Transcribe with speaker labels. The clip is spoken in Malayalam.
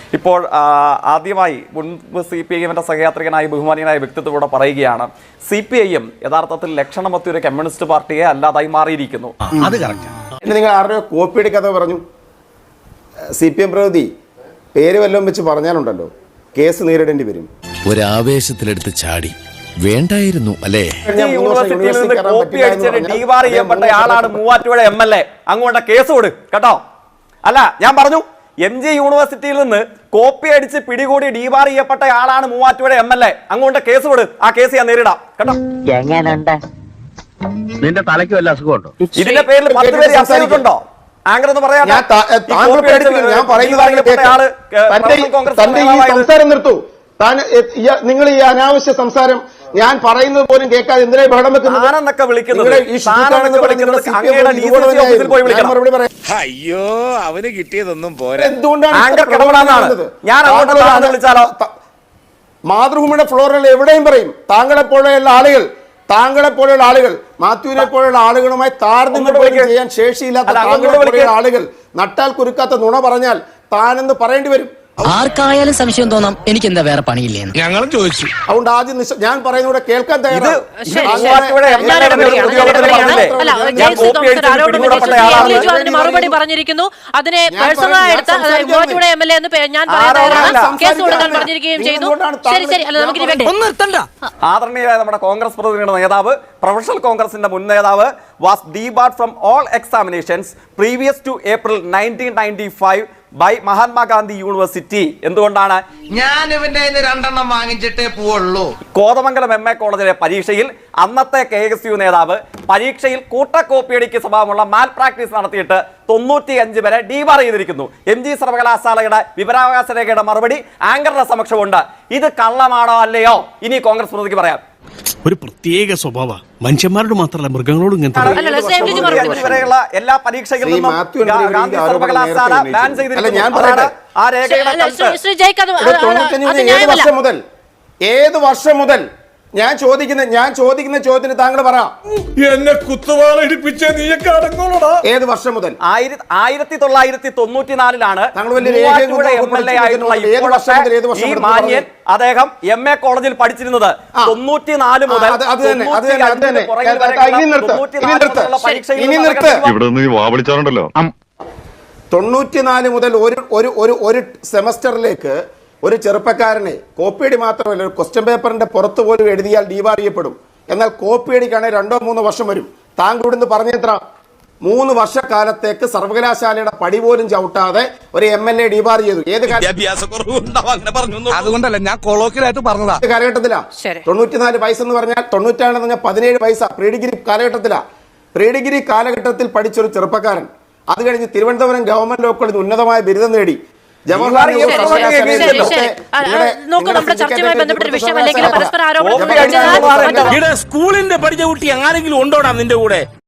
Speaker 1: ഇപ്പോൾ ആദ്യമായി മുൻപ് CPIM സഹയാത്രികനായി ബഹുമാനീയനായ വ്യക്തിത്വത്തോടെ പറയുകയാണ് CPIM യഥാർത്ഥത്തിൽ ലക്ഷണമൊത്ത ഒരു കമ്മ്യൂണിസ്റ്റ് പാർട്ടിയെ അല്ലാതായി മാറിയിരിക്കുന്നു.
Speaker 2: അത് കറക്റ്റ്.
Speaker 3: നിങ്ങൾ ആരുടെയോ കോപ്പിയുടെ കഥ പറഞ്ഞു. CPM പ്രതി പേര് വല്ലതും വെച്ച് പറഞ്ഞാലുണ്ടല്ലോ കേസ് നേരിടേണ്ടി വരും.
Speaker 2: ഒരാവേശത്തിലെടുത്ത് ചാടി വേണ്ടായിരുന്നു അല്ലേ?
Speaker 1: യൂണിവേഴ്സിറ്റിയിൽ നിന്ന് കോപ്പി അടിച്ചിട്ട് ഡീവാർ ചെയ്യപ്പെട്ട ആളാണ് മൂവാറ്റുപുഴ MLA. അങ്ങോട്ട് കേസ് കൊടു കേട്ടോ. അല്ല, ഞാൻ പറഞ്ഞു MG യൂണിവേഴ്സിറ്റിയിൽ നിന്ന് കോപ്പി അടിച്ച് പിടികൂടി ഡീവാർ ചെയ്യപ്പെട്ട ആളാണ് മൂവാറ്റുപുഴ MLA. അങ്ങോട്ട് കേസ് കൊടു. ആ കേസ് ഞാൻ നേരിടാം കേട്ടോ.
Speaker 4: നിന്റെ തലയ്ക്ക് വല്ല അസുഖമുണ്ടോ?
Speaker 1: ഇതിന്റെ പേരിൽ 10 പേര് സംസാരിക്കുന്നുണ്ടോ? ആങ്കർ എന്ന് പറയാം.
Speaker 3: സംസാരം നിർത്തൂ. നിങ്ങൾ ഈ അനാവശ്യ സംസാരം ഞാൻ പറയുന്നത് പോലും കേൾക്കാതെ എന്തിനാ ബഹളം വെക്കുന്നത്?
Speaker 2: അയ്യോ, അവന് കിട്ടിയതൊന്നും പോരാ.
Speaker 3: മാതൃഭൂമിയുടെ ഫ്ലോറിൽ എവിടെയും പറയും താങ്കളെപ്പോലെയുള്ള ആളുകൾ മാത്യുവിനെ പോലെയുള്ള ആളുകളുമായി താരതമ്യം ചെയ്യാൻ ശേഷിയില്ലാത്ത താങ്കളെപ്പോലെയുള്ള ആളുകൾ നട്ടാൽ കുരുക്കാത്ത നുണ പറഞ്ഞാൽ താനെന്ന് പറയേണ്ടി വരും.
Speaker 5: ആർക്കായാലും സംശയം തോന്നാം എനിക്ക് എന്താ വേറെ പണിയില്ലേ
Speaker 2: ഞങ്ങളും ചോദിച്ചു.
Speaker 3: അതുകൊണ്ട് ആദ്യം ഞാൻ പറയുന്നൂടെ കേൾക്കാൻ തയ്യാറാണ്.
Speaker 6: മറുപടി പറഞ്ഞിരിക്കുന്നു. അതിനെ പേഴ്സണലായി എടുത്ത MLA എന്ന് ഞാൻ കേസ് കൊടുക്കാൻ പറഞ്ഞിരിക്കുകയും ചെയ്തു. ശരി ശരി, അല്ല നമുക്ക്
Speaker 1: ആദരണീയരായ നമ്മുടെ കോൺഗ്രസ് പ്രതിനിധിയുടെ നേതാവ്, പ്രൊഫഷണൽ കോൺഗ്രസിന്റെ മുൻ നേതാവ്, was debarred from all examinations previous to April 1995 by Mahatma Gandhi university. എന്തുകൊണ്ടാണ്?
Speaker 7: ഞാൻ ഇവന്റെ 2 വാങ്ങിച്ചിട്ടേ പോവുള്ളൂ.
Speaker 1: കോതമംഗലം MA കോളേജിലെ പരീക്ഷയിൽ അന്നത്തെ KSU നേതാവ് പരീക്ഷയിൽ കൂട്ടക്കോപ്പിയടിക്ക് സ്വഭാവമുള്ള മാൽ പ്രാക്ടീസ് നടത്തിയിട്ട് 95 വരെ ഡീബാർ ചെയ്തിരിക്കുന്നു. MG സർവകലാശാലയുടെ വിവരാവകാശ രേഖയുടെ മറുപടി ആങ്കറുടെ സമക്ഷമുണ്ട്. ഇത് കള്ളമാണോ അല്ലയോ ഇനി കോൺഗ്രസ് പ്രതിനിധിക്ക് പറയാം.
Speaker 8: ഒരു പ്രത്യേക സ്വഭാവ മനുഷ്യന്മാരോട് മാത്രമല്ല മൃഗങ്ങളോടും
Speaker 1: വരെയുള്ള എല്ലാ പരീക്ഷകളിലും ഗാന്ധി സർവകലാശാല ബാൻ ചെയ്തിരിക്കുന്നു. ആ രേഖയുടെ
Speaker 3: ഏത് വർഷം മുതൽ ഞാൻ ചോദിക്കുന്ന ചോദ്യത്തിന് താങ്കൾ പറ.
Speaker 2: എന്നെ കുത്തുവാളടിപ്പിച്ച നീയൊക്കെ അടങ്ങോളടാ.
Speaker 3: ഏത് വർഷം മുതൽ?
Speaker 1: 1994 ഈ മാന്യൻ അദ്ദേഹം MA കോളേജിൽ പഠിച്ചിരുന്നത്. 94 മുതൽ
Speaker 9: ഇവിടെ നിന്ന് വാവളിച്ചാറുണ്ടല്ലോ.
Speaker 3: 94 മുതൽ ഒരു സെമസ്റ്ററിലേക്ക് ഒരു ചെറുപ്പക്കാരനെ കോപ്പിയടി മാത്രമല്ല ഒരു ക്വസ്റ്റ്യൻ പേപ്പറിന്റെ പുറത്ത് പോലും എഴുതിയാൽ ഡീബാർ ചെയ്യപ്പെടും. എന്നാൽ കോപ്പിയടിക്കാണെങ്കിൽ 2-3 വർഷം വരും. താങ്കൾ ഇവിടുന്ന് പറഞ്ഞെത്ര? 3 വർഷക്കാലത്തേക്ക് സർവകലാശാലയുടെ പടി പോലും ചവിട്ടാതെ ഒരു MLA ഡീബാർ ചെയ്തു. ഏത്
Speaker 2: അതുകൊണ്ടല്ല ഞാൻ കൊളോക്കിലായിട്ട് പറഞ്ഞതാ.
Speaker 3: കാലഘട്ടത്തിലാ 94 പൈസ എന്ന് പറഞ്ഞാൽ 96 എന്ന് പറഞ്ഞാൽ 17 പൈസ പ്രീ ഡിഗ്രി കാലഘട്ടത്തിലാ. പ്രീ ഡിഗ്രി കാലഘട്ടത്തിൽ പഠിച്ചൊരു ചെറുപ്പക്കാരൻ അത് കഴിഞ്ഞ് തിരുവനന്തപുരം ഗവൺമെന്റ് ലോ കോളേജിൽ ഉന്നതമായ ബിരുദം നേടി.
Speaker 6: സ്കൂളിന്റെ പഠിച്ച കുട്ടി ആരെങ്കിലും ഉണ്ടോടാ നിന്റെ കൂടെ?